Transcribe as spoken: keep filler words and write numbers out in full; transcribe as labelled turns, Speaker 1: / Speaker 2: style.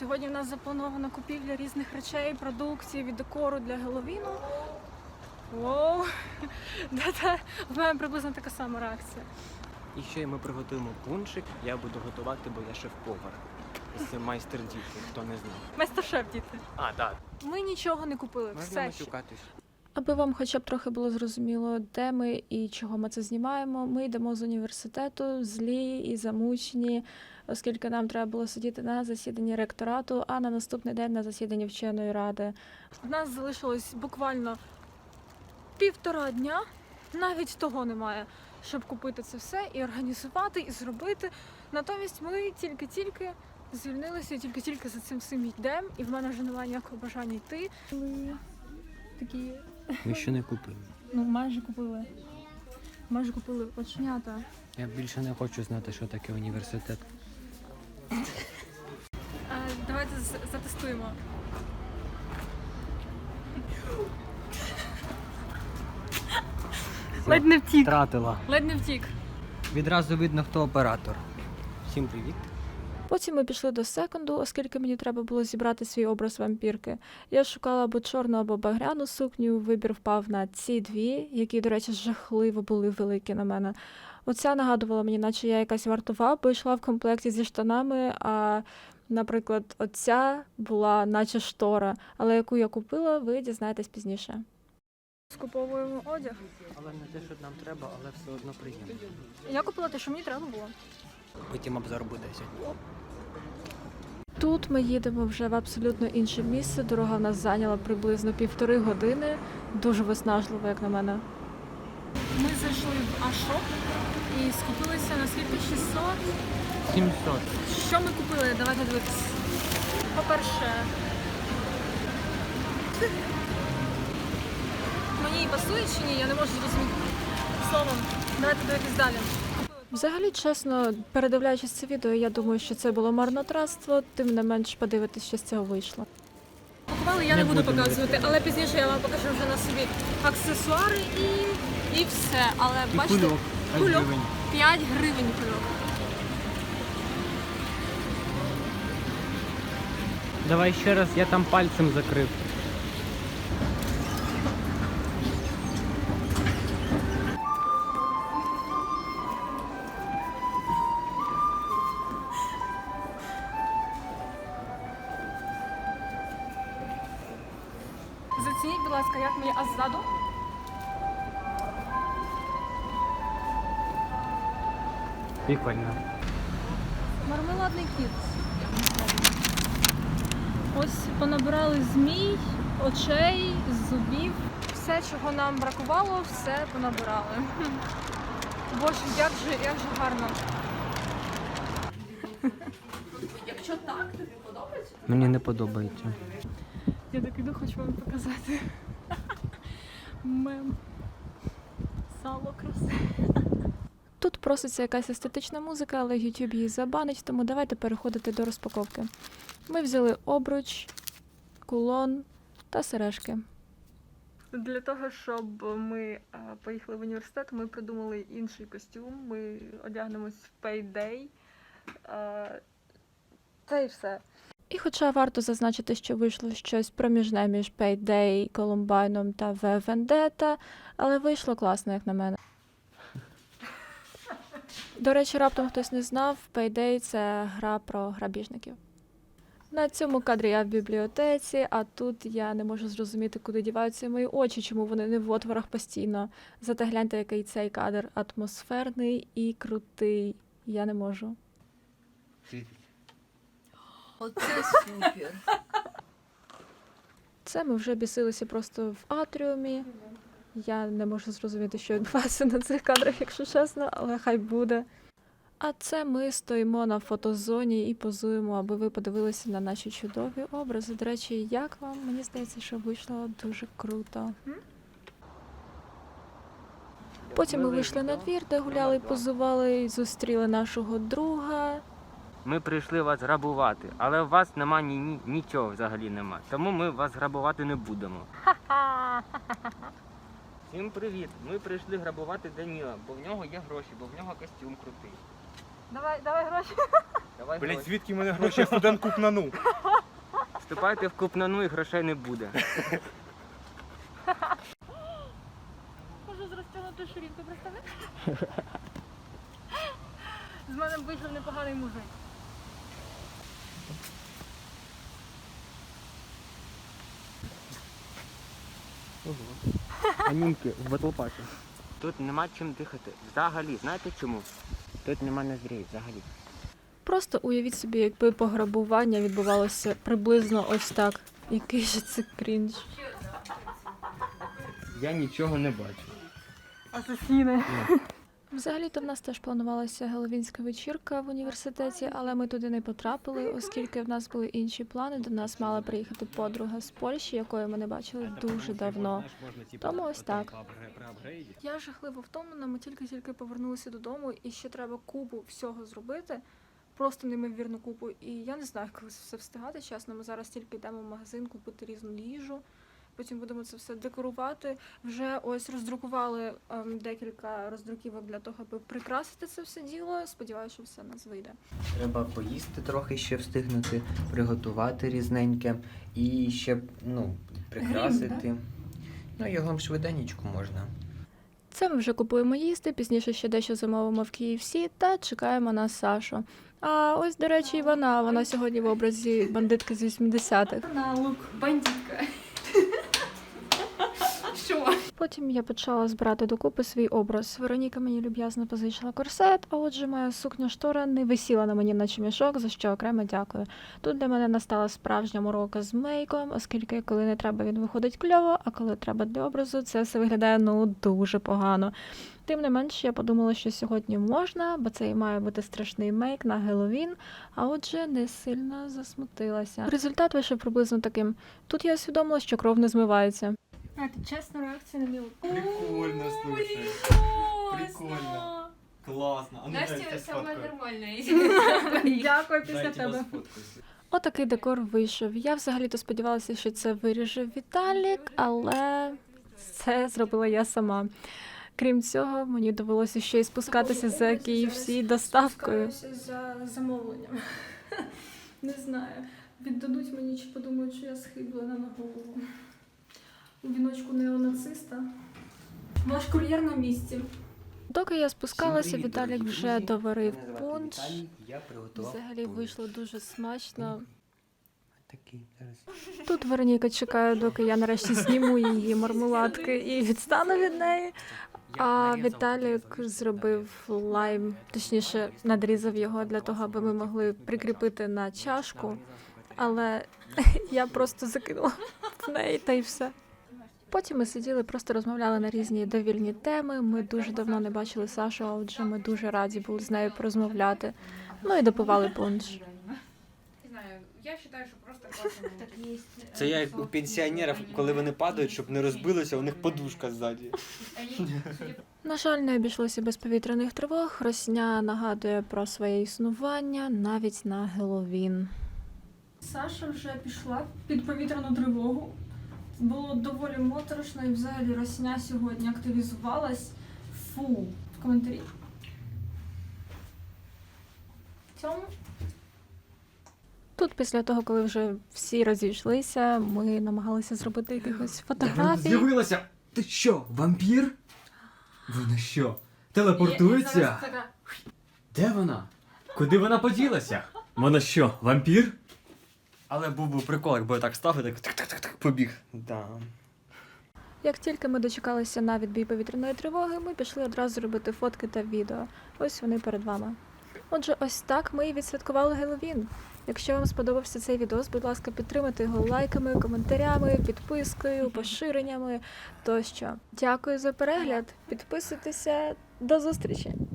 Speaker 1: Сьогодні в нас запланована купівля різних речей, продукції від декору для Геловіну. Воу! В мене приблизно така сама реакція.
Speaker 2: І ще ми приготуємо пуншик, я буду готувати, бо я шеф-повар. Це майстер діти, хто не знав.
Speaker 1: Майстер-шеф, діти.
Speaker 2: А, так.
Speaker 1: Ми нічого не купили,
Speaker 2: Можна
Speaker 1: все ще.
Speaker 2: матюкатись.
Speaker 1: Аби вам хоча б трохи було зрозуміло, де ми і чого ми це знімаємо, ми йдемо з університету, злі і замучені, оскільки нам треба було сидіти на засіданні ректорату, а на наступний день на засіданні вченої ради. У нас залишилось буквально півтора дня, навіть того немає, щоб купити це все і організувати, і зробити. Натомість ми тільки-тільки звільнилися, і тільки-тільки за цим всім йдемо, і в мене вже немає ніякого бажання йти. Ми такі...
Speaker 2: Ми ще не купили.
Speaker 1: Ну, майже купили. Майже купили оченята.
Speaker 2: Я більше не хочу знати, що таке університет.
Speaker 1: А, давайте з- затестуємо. Ледь не втік.
Speaker 2: Втратила.
Speaker 1: Ледь не втік.
Speaker 2: Відразу видно, хто оператор. Всім привіт.
Speaker 1: Потім ми пішли до секонду, оскільки мені треба було зібрати свій образ вампірки. Я шукала або чорну, або багряну сукню, вибір впав на ці дві, які, до речі, жахливо були великі на мене. Оця нагадувала мені, наче я якась вартова, бо йшла в комплекті зі штанами, а, наприклад, оця була наче штора, але яку я купила, ви дізнаєтесь пізніше. Скуповуємо одяг.
Speaker 2: Але не те, що нам треба, але все одно приємно.
Speaker 1: Я купила те, що мені треба було.
Speaker 2: Потім обзор буде сьогодні.
Speaker 1: Тут ми їдемо вже в абсолютно інше місце. Дорога в нас зайняла приблизно півтори години. Дуже виснажливо, як на мене. Ми зайшли в Ашоп і скупилися на скільки? шістсот?
Speaker 2: сімсот.
Speaker 1: Що ми купили? Давайте дивитися. По-перше, мені пасує чи ні? Я не можу зрозуміти. Словом, давайте дивитись далі. Взагалі, чесно, передивляючись це відео, я думаю, що це було марнотратство, тим не менш подивитись, що з цього вийшло. Пакували я не,
Speaker 2: Не
Speaker 1: буду
Speaker 2: будемо
Speaker 1: показувати, але пізніше я вам покажу вже на собі аксесуари і, і все. Але
Speaker 2: І
Speaker 1: бачите,
Speaker 2: кульок. п'ять
Speaker 1: кульок
Speaker 2: гривень.
Speaker 1: п'ять гривень кульок.
Speaker 2: Давай ще раз, я там пальцем закрив.
Speaker 1: Зацініть, будь ласка, як мені, а ззаду?
Speaker 2: Прикольно.
Speaker 1: Мармеладний кіт. Ось понабирали змій, очей, зубів. Все, чого нам бракувало, все понабирали. Боже, як же, як же гарно. Якщо так, тобі подобається?
Speaker 2: Мені не подобається.
Speaker 1: Я так іду, хочу вам показати. Мем. Сало красе. Тут проситься якась естетична музика, але YouTube її забанить, тому давайте переходити до розпаковки. Ми взяли обруч, кулон та сережки. Для того, щоб ми а, поїхали в університет, ми придумали інший костюм. Ми одягнемось в Payday. А, це і все. І хоча варто зазначити, що вийшло щось проміжне між Payday, Колумбайном та V Vendetta, але вийшло класно, як на мене. До речі, раптом хтось не знав, Payday – це гра про грабіжників. На цьому кадрі я в бібліотеці, а тут я не можу зрозуміти, куди діваються мої очі, чому вони не в отворах постійно. Зате гляньте, який цей кадр атмосферний і крутий. Я не можу.
Speaker 3: Оце супер.
Speaker 1: Це ми вже бісилися просто в атріумі. Я не можу зрозуміти, що відбувається на цих кадрах, якщо чесно, але хай буде. А це ми стоїмо на фотозоні і позуємо, аби ви подивилися на наші чудові образи. До речі, як вам? Мені здається, що вийшло дуже круто. Потім ми вийшли на двір, де гуляли, позували, і зустріли нашого друга.
Speaker 4: Ми прийшли вас грабувати, але у вас нема ні, ні, нічого взагалі нема. Тому ми вас грабувати не будемо. Всім привіт! Ми прийшли грабувати Даніла, бо в нього є гроші, бо в нього костюм крутий.
Speaker 1: Давай, давай гроші.
Speaker 4: Давай
Speaker 5: Блять,
Speaker 4: гроші.
Speaker 5: звідки в мене гроші? Я студент купнану.
Speaker 4: Вступайте в купнану і грошей не буде.
Speaker 1: Можу з розтягнутою ширинкою, представляєш? З мене вийшов непоганий мужик.
Speaker 2: Анімки в батлпакі.
Speaker 4: Тут нема чим дихати. Взагалі, знаєте чому? Тут нема ноздрій взагалі.
Speaker 1: Просто уявіть собі, якби пограбування відбувалося приблизно ось так. Який же це крінж.
Speaker 4: Я нічого не бачу.
Speaker 1: Асасіни. Взагалі-то в нас теж планувалася геловінська вечірка в університеті, але ми туди не потрапили, оскільки в нас були інші плани. До нас мала приїхати подруга з Польщі, якої ми не бачили дуже давно. Тому ось так. Я жахливо втомлена, ми тільки-тільки повернулися додому, і ще треба купу всього зробити. Просто неймовірну купу. І я не знаю, коли це все встигати, чесно. Ми зараз тільки йдемо в магазин купити різну їжу. Потім будемо це все декорувати. Вже ось роздрукували ем, декілька роздруківок для того, аби прикрасити це все діло. Сподіваюся, що все в нас вийде.
Speaker 5: Треба поїсти трохи ще встигнути, приготувати різненьке і ще ну, прикрасити. Ну, його швиденечко можна.
Speaker 1: Це ми вже купуємо їсти, пізніше ще дещо замовимо в кей еф сі та чекаємо на Сашу. А ось, до речі, і вона. Вона сьогодні в образі бандитки з вісімдесятих.
Speaker 3: На лук бандитка. Що?
Speaker 1: Потім я почала збирати докупи свій образ. Вероніка мені люб'язно позичила корсет, а отже моя сукня-штора не висіла на мені наче мішок, за що окремо дякую. Тут для мене настала справжня морока з мейком, оскільки коли не треба, він виходить кльово, а коли треба для образу, це все виглядає ну дуже погано. Тим не менш, я подумала, що сьогодні можна, бо це і має бути страшний мейк на Геловін, а отже не сильно засмутилася. Результат вийшов приблизно таким. Тут я усвідомила, що кров не змивається. А, це чесна реакція на мій лук.
Speaker 2: Прикольно, слушай. Прикольно. Класно. А ну
Speaker 3: Настя
Speaker 2: дайте
Speaker 3: саме
Speaker 2: сфоткаю.
Speaker 3: нормальне.
Speaker 1: Дякую після
Speaker 2: Дайте
Speaker 1: тебе.
Speaker 2: вас сфоткаю.
Speaker 1: Отакий декор вийшов. Я взагалі-то сподівалася, що це виріже Віталік, але це зробила я сама. Крім цього, мені довелося ще й спускатися за кей еф сі доставкою. За замовленням. Не знаю, віддадуть мені чи подумають, що я схиблена на голову. У віночку неонациста. Ваш кур'єр на місці. Доки я спускалася,
Speaker 5: Всім привіт,
Speaker 1: Віталік
Speaker 5: дорогі
Speaker 1: вже
Speaker 5: друзі.
Speaker 1: доварив
Speaker 5: Мене звати
Speaker 1: пунш.
Speaker 5: Віталій, я приготував
Speaker 1: Взагалі
Speaker 5: пунш.
Speaker 1: вийшло дуже смачно.
Speaker 5: Такий, зараз.
Speaker 1: Тут Вероніка чекає, доки я нарешті зніму її мармеладки і відстану від неї. А Віталік зробив лайм, точніше надрізав його для того, аби ми могли прикріпити на чашку. Але я просто закинула в неї та й все. Потім ми сиділи, просто розмовляли на різні довільні теми. Ми дуже давно не бачили Сашу, а отже ми дуже раді були з нею порозмовляти. Ну і допивали пунш.
Speaker 3: Не знаю, я вважаю, що просто класно.
Speaker 2: Це я як у пенсіонерів, коли вони падають, щоб не розбилося, у них подушка ззаді.
Speaker 1: На жаль, не обійшлося без повітряних тривог. Росня нагадує про своє існування навіть на Геловін. Саша вже пішла під повітряну тривогу. Було доволі моторошно і взагалі Росня сьогодні активізувалась. Фу. В коментарі. В цьому. Тут після того, коли вже всі розійшлися, ми намагалися зробити якихось фотографій.
Speaker 6: З'явилася! Ти що, вампір? Вона що, телепортується? Де вона? Куди вона поділася? Вона що, вампір?
Speaker 2: Але був би прикол, якби я так став і так так-так-так побіг. Да.
Speaker 1: Як тільки ми дочекалися на відбій повітряної тривоги, ми пішли одразу робити фотки та відео. Ось вони перед вами. Отже, ось так ми і відсвяткували Геловін. Якщо вам сподобався цей відос, будь ласка, підтримайте його лайками, коментарями, підпискою, поширеннями тощо. Дякую за перегляд. Підписуйтеся. До зустрічі!